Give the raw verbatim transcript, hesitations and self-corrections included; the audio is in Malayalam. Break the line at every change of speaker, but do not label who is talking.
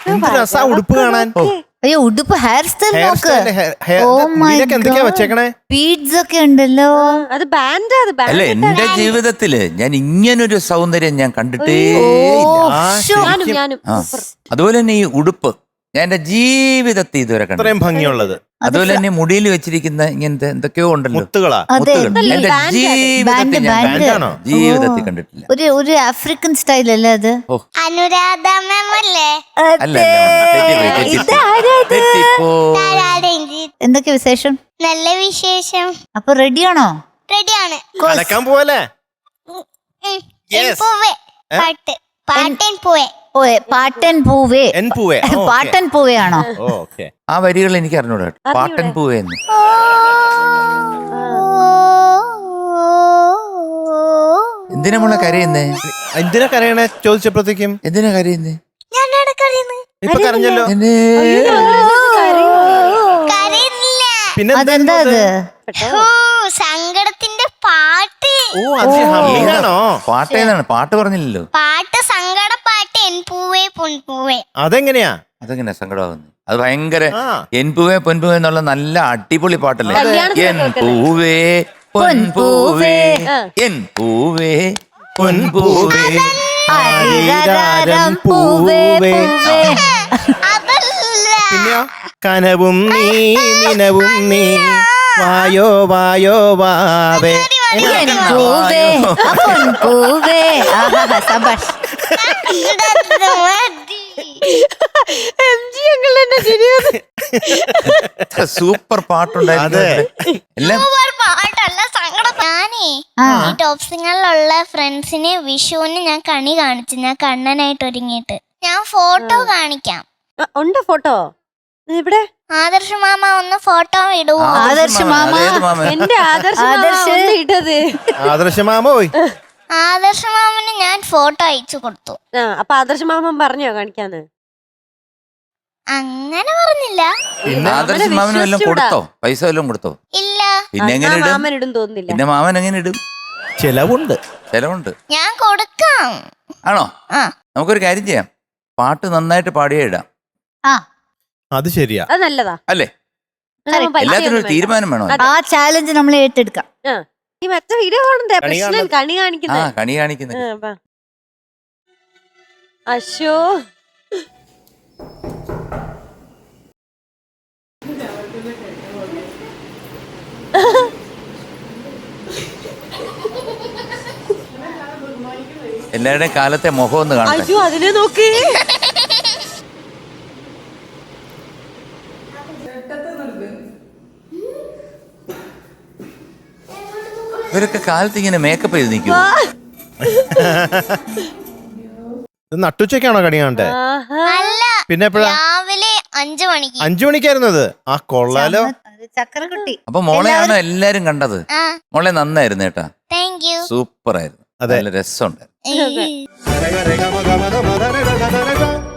എന്ത് രസാ ഉടുപ്പ് കാണാൻ.
അയ്യോ ഉടുപ്പ് ഹെയർ സ്റ്റൈൽ
ഹെയർ
നോക്ക്.
സ്റ്റൈൽ എന്തൊക്കെയാ വെച്ചേക്കണേ?
ബീഡ്സ് ഒക്കെ ഉണ്ടല്ലോ.
അത് ബാൻഡ് അത്
അല്ല എന്റെ ജീവിതത്തില് ഞാൻ ഇങ്ങനൊരു സൗന്ദര്യം ഞാൻ കണ്ടിട്ടേ
ഞാനും ഞാനും
അതുപോലെ തന്നെ ഈ ഉടുപ്പ് ഞാൻ എന്റെ ജീവിതത്തിൽ ഇതുവരെ കണ്ടു.
ഇത്രയും ഭംഗിയുള്ളത്.
അതുപോലെ തന്നെ മുടിയിൽ വെച്ചിരിക്കുന്ന ഇങ്ങനത്തെ എന്തൊക്കെയോ ഉണ്ടല്ലോ
മുത്തുകളാ.
മുത്തുകൾ എന്റെ ജീവിതത്തിൽ ഞാൻ
ബാൻഡാണോ?
ജീവിതത്തിൽ കണ്ടിട്ടില്ല.
ഒരു ഒരു ആഫ്രിക്കൻ സ്റ്റൈൽ അല്ലേ അത്?
അനുരാധ മാം അല്ലേ?
അല്ല തെറ്റിപ്പോയി.
എന്തൊക്കെ വിശേഷം?
നല്ല വിശേഷം.
അപ്പൊ റെഡിയാണോ?
റെഡിയാണ്.
കലക്കാൻ പോവല്ലേ?
പൂവേ പാട്ട് പാട്ടൻ പൂവേ.
ഓ പാട്ടൻ പൂവേ.
എൻ പൂവേ.
പാട്ടൻ പൂവയാണോ?
ഓക്കെ.
ആ വരികൾ എനിക്ക് അറിഞ്ഞൂടാ. പാട്ടൻ പൂവേന്ന് എന്തിനാ മോളെ കരയുന്നേ?
എന്തിനാ കരയണേ ചോദിച്ചപ്പോഴത്തേക്കും?
എന്തിനാ കരയുന്നേ?
ഇപ്പൊ കരഞ്ഞല്ലോ. പിന്നെ
അതെന്താ അത്?
സങ്കടത്തിന്റെ പാട്ട്.
ഓ അത് ഹമ്മിങ്ങാണോ?
പാട്ട് ഏതാണ്? പാട്ട് പറഞ്ഞില്ലല്ലോ.
പാട്ട് സങ്കട പാട്ട് എൻ പൂവേ പൊൻപൂവേ.
അതെങ്ങനെയാ?
അതെങ്ങനെയാ സങ്കടമാകുന്നത്? അത് ഭയങ്കര
ആ.
എൻ പൂവേ പൊൻപൂവേ എന്നുള്ള നല്ല അടിപൊളി പാട്ടല്ലേ?
കല്യാണത്തിന്
എൻ പൂവേ പൊൻപൂവേ എൻ പൂവേ പൊൻപൂവേ
ആരിരാരം പൂവേ പൂവേ.
പിന്നെയോ? കനവും നീ നിനവും നീ വായോ വായോ വാവേ.
എൻ പൂവേ പൊൻ പൂവേ. ആഹാ സബാഷ്.
സൂപ്പർ പാട്ടുണ്ടായിരുന്നു. എല്ലാം
പാട്ടല്ല സങ്കടം. ഞാനേ ഈ ടോപ്പ് സിംഗറിലുള്ള ഫ്രണ്ട്സിന് വിഷുവിന് ഞാൻ കണി കാണിച്ചു. ഞാൻ കണ്ണനായിട്ട് ഒരുങ്ങിയിട്ട് ഞാൻ ഫോട്ടോ കാണിക്കാം.
ഉണ്ട് ഫോട്ടോ ഇവിടെ.
ആദർശ് മാമ ഒന്ന് ഫോട്ടോ ഇടുവോ?
ആദർശ് മാമ.
എന്റെ ആദർശ്
ആദർശ്
ഇട്ടത്.
ആദർശ മാമ പോയി.
ആദർശ് മാമന് ഞാൻ ഫോട്ടോ അയച്ചു കൊടുത്തു.
ആ അപ്പൊ ആദർശ് മാമൻ പറഞ്ഞോ കാണിക്കാന്ന്?
അങ്ങനെ പറഞ്ഞില്ല.
ആദർശ മാമന് വല്ലതും കൊടുത്തോ? പൈസ വല്ലതും കൊടുത്തോ?
ഇല്ല.
പിന്നെ എങ്ങനെ ഇടും?
മാമൻ ഇടും തോന്നുന്നില്ല.
പിന്നെ മാമൻ എങ്ങനെ ഇടും?
ചെലവുണ്ട്.
ചെലവുണ്ട്.
ഞാൻ കൊടുക്കാം.
ആണോ?
ആ
നമുക്കൊരു കാര്യം ചെയ്യാം. പാട്ട് നന്നായിട്ട് പാടിയേ ഇടാം.
ആ
അത് ശരിയാ.
അത് നല്ലതാ
അല്ലേ?
അതാവുമ്പോ പൈസ
എല്ലാത്തിനും ഒരു
ഒന്നും
തീരുമാനം വേണോ?
ആ ചാലഞ്ച് നമ്മൾ ഏറ്റെടുക്കാം.
വേണ്ട. ആ. ഈ മറ്റേ വീഡിയോ കാണണ്ടേ?
കണി
പ്രശ്നം
കാണുന്നത്.
കണി
ആ
കാണിക്കുന്നത്.
കണി കാണിക്കുന്നത്.
ആ, വാ. അശോ
എല്ലാവരുടെയും കാലത്തെ മുഖം ഒന്ന് കാണട്ടെ.
അയ്യോ അതിനെ നോക്ക്.
ഇവരൊക്കെ കാലത്ത് ഇങ്ങനെ മേക്കപ്പ് ചെയ്ത് നിൽക്കും.
ഇത് നട്ടുച്ചയ്ക്കാണോ കണി കാണട്ടെ?
ആഹാ.
അല്ല,
പിന്നെ എപ്പോഴാ?
രാവിലെ അഞ്ചു മണിക്ക്.
അഞ്ചു മണിക്കായിരുന്നു അത്. ആ കൊള്ളാലോ.
ചക്രക്കുട്ടി.
അപ്പൊ മോളെയാണോ എല്ലാരും കണ്ടത്?
ആ
മോളെ നന്നായിരുന്നു കേട്ടാ.
Thank you.
സൂപ്പർ ആയിരുന്നു.
അതെ.
നല്ല രസമുണ്ടായിരുന്നു.
ഏയ്.